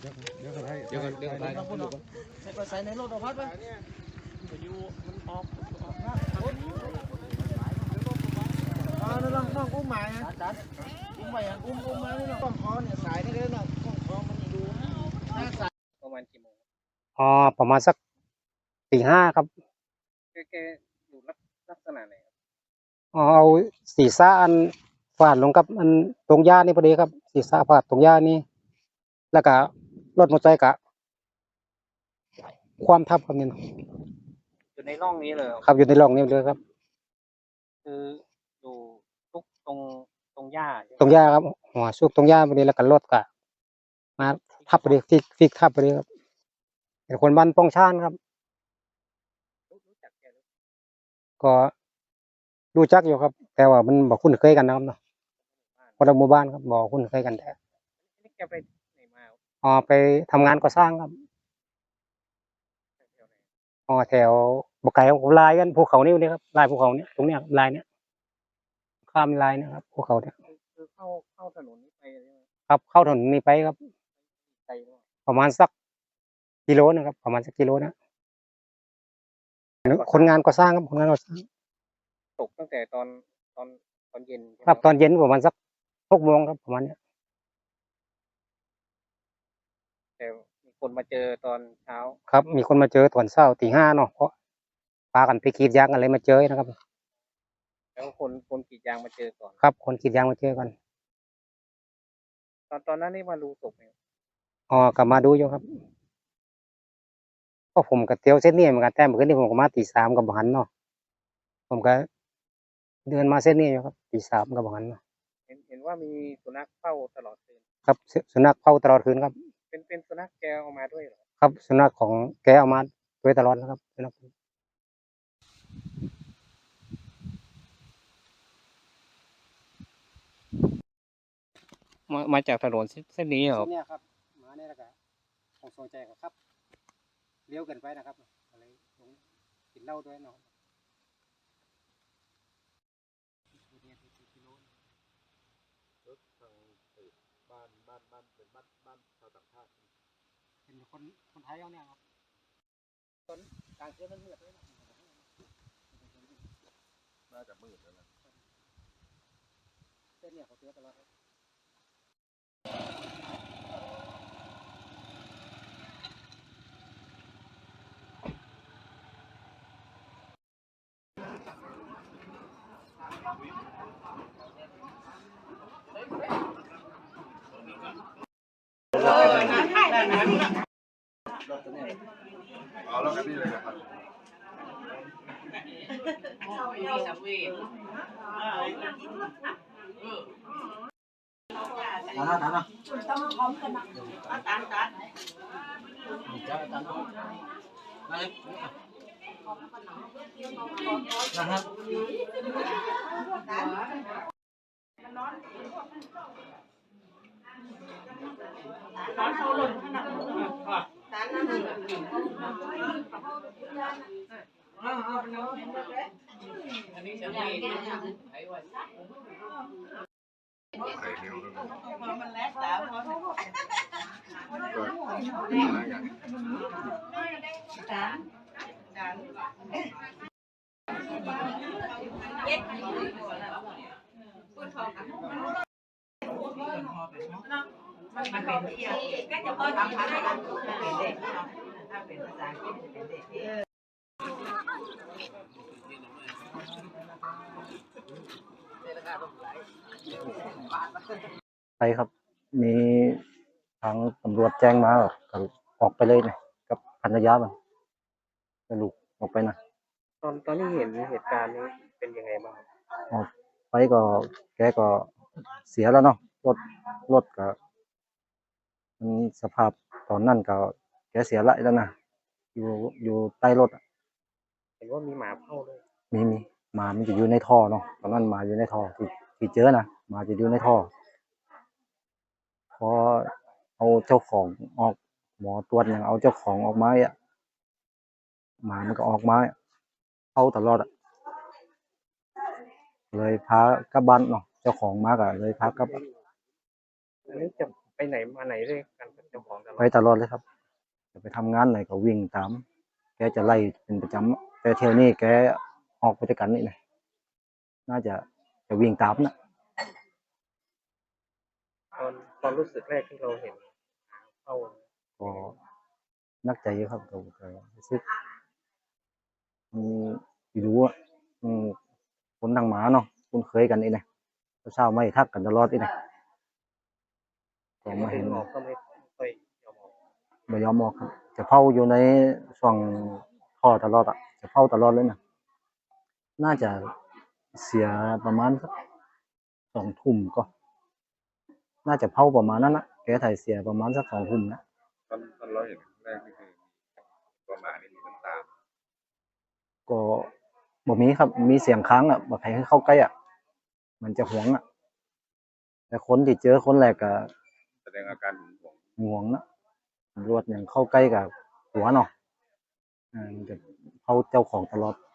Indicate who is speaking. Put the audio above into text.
Speaker 1: เดี๋ยวไปใส่ในรถเอาพัดไปอยู่มันออกนะนั่นละน้องอุ้มหมาอุ้มไปอุ้มมาเนี่ยก้องคอเนี่ยสายนี่ก็ได้น้องก้องคอมันดูหน้าสายประมาณกี่โมง
Speaker 2: ประมาณสักตี 5ครับ
Speaker 1: แกอยู่ลักษณะไหน
Speaker 2: เอาศีรษะอันฟาดลงกับอันตรงหญ้านี่พอดีครับศีรษะฟาดตรงหญ้านี่แล้วก็รถมอเตอร์ไซค์กะความทับครับนี่
Speaker 1: อยู่ในร่องนี้เลย
Speaker 2: ครับอยู่ในร่องนี้เลยครับ
Speaker 1: คืออยู่ทุกตรงหญ้า
Speaker 2: ครับหัวซุกตรงหญ้าพอดีแล้วก็รถกะมาทับพอดีฟิกทับพอดีครับเป็นคนบ้านป้องชานครับก็รู้จักอยู่ครับแต่ว่ามันบอกคุ้นเคยกันนะครับเนาะคนละหมู่บ้านครับบอกคุ้นเคยกันแต่
Speaker 1: แกไปไหนมา
Speaker 2: ไปทำงานก่อสร้างครับแถวบกไก่ของลายกันภูเขานี่ครับลายภูเขาเนี่ยตรงเนี้ยลายเนี้ยข้ามลายนะครับภูเขาเนี่ย
Speaker 1: คือเข้าถนนนี้ไป
Speaker 2: ครับเข้าถนนนี้ไปครับประมาณสักกิโลนะครับประมาณสักกิโลนะคนงานก่อสร้างครับคนงานก่อสร้าง
Speaker 1: ตกตั้งแต่ตอนเย็น
Speaker 2: ครับตอนเย็นประมาณสัก6 โมงครับประมาณนี้
Speaker 1: แต่มีคนมาเจอตอนเช้า
Speaker 2: ครับมีคนมาเจอตอนเช้าตี 5เนาะเพราะปากันไปกรีดยางอะไรมาเจอนะครับ
Speaker 1: แล้วคนกรีดยางมาเจอก่อน
Speaker 2: ครับคนกรีดยางมาเจอกัน
Speaker 1: ตอนนั้นนี่มาดูศพไหม
Speaker 2: กลับมาดูอยู่ครับก็ผมกับเตียวเส้นนี้เหมือนกันแต่เมื่อคืนนี้ผมก็มาตี 3กับหันเนาะผมก็เดินมาเส้นนี้อยู่ครับตี 3กับหันเนาะ
Speaker 1: เห็นว่ามีสุนัขเฝ้าตลอดคืน
Speaker 2: ครับสุนัขเฝ้าตลอดคืนครับ
Speaker 1: เป็นสุนัขแกเอามาด้วยเหรอ
Speaker 2: ครับสุนัขของแกเอามาด้วยตลอดนะครับสุนัข
Speaker 1: มาจากถนนเส้นนี้เหรอ
Speaker 2: เนี่ยครับมาเนี่ยแล้วก็ของโซใจครับเลี้ยวเกินไปนะครับอะไรกินเหล้าด้วยเนาะบ้านเป็นบ้านชาวต่างชาติเป็นคนไทยเอาเนี่ยครับตอนกลางคืนมันมืดเลยนะ
Speaker 3: น่าจะมืดแล้วนะ
Speaker 2: เส้นเนี่ยเขาเตือนตลอด
Speaker 3: เอาแล้วกันนี่เลยนะครับ
Speaker 4: ร้อนเขาหล่นขนาดนั้นอันนี้จะมีไอ้วัน
Speaker 3: ใส่เร็วด้วยนะ
Speaker 4: พอมันแล้วสาวพอจานเย็ดมันเป็นเที่ยวก็จะพอทำพันกันเป็นเด็กถ้าเป็นภาษาอังกฤษจะเป็นเด็ก
Speaker 2: ไปครับมีทางตำรวจแจ้งมาก็ออกไปเลยนะกับภรรยามันลูกออกไปนะ
Speaker 1: ตอนที่เห็นเหตุการณ์นี้เป็นยังไงบ้าง
Speaker 2: ออกไปก็แกก็เสียแล้วเนาะรถก็มันสภาพตอนนั้นก็แกเสียแล้วนะอยู่ใต้รถ
Speaker 1: เห็นว่ามีหมาเฝ้าด้วย
Speaker 2: มีหมามันจะอยู่ในท่อเนาะตอนนั้นหมาอยู่ในท่อที่เจอนะหมาจะอยู่ในท่อพอเอาเจ้าของออกหมอตรวจอย่างเอาเจ้าของออกมาอ่ะหมามันก็ออกมาเข้าตลอดเลยพากลับบ้านเนาะเจ้าของมาก็เลยพากลับ
Speaker 1: อันนี้จะไปไหนมาไหนด้วยกันกับเจ้าของตลอด
Speaker 2: ไปตลอดเลยครับจะไปทำงานไหนก็วิ่งตาม แกจะไล่เป็นประจำแต่เที่ยวนี้แกออกไปด้วยกันนี่นะน่าจะวิ่งตามนะ
Speaker 1: ตอนรู้สึกแรกที่เราเห็นเข้า
Speaker 2: ก็นักใจอยู่ครับก็รู้สึกไม่รู้อ่ะคนทางหมาเนาะคุ้นเคยกันนี่นะเช้าไม่ทักกันตลอดนี่นะก็มาเห็น
Speaker 1: ออกก็ไม่ค่อยยอมออก
Speaker 2: ไม่ยอมออกครับจะเฝ้าอยู่ในช่วงท่อตลอดอ่ะจะเฝ้าตลอดเลยนะน่าจะเสียประมาณสัก2 ทุ่มก็ น่าจะเผาประมาณนั้นนะแกถ่ายเสียประมาณสัก2 ทุ่มนะ
Speaker 3: ตอนเราเห็นแรกนี่คือประมาณนี้มีน้ำตา
Speaker 2: ก็บอกมีครับมีเสียงค้างอ่ะบอกให้เข้าใกล้อ่ะมันจะหวงอ่ะแต่คนที่เจอคนแรกก็
Speaker 3: แสดงอาการหึงหวง
Speaker 2: หวงนะตำรวจอย่างเข้าใกล้กับหัวเนาะมันจะเข้าเจ้าของตลอด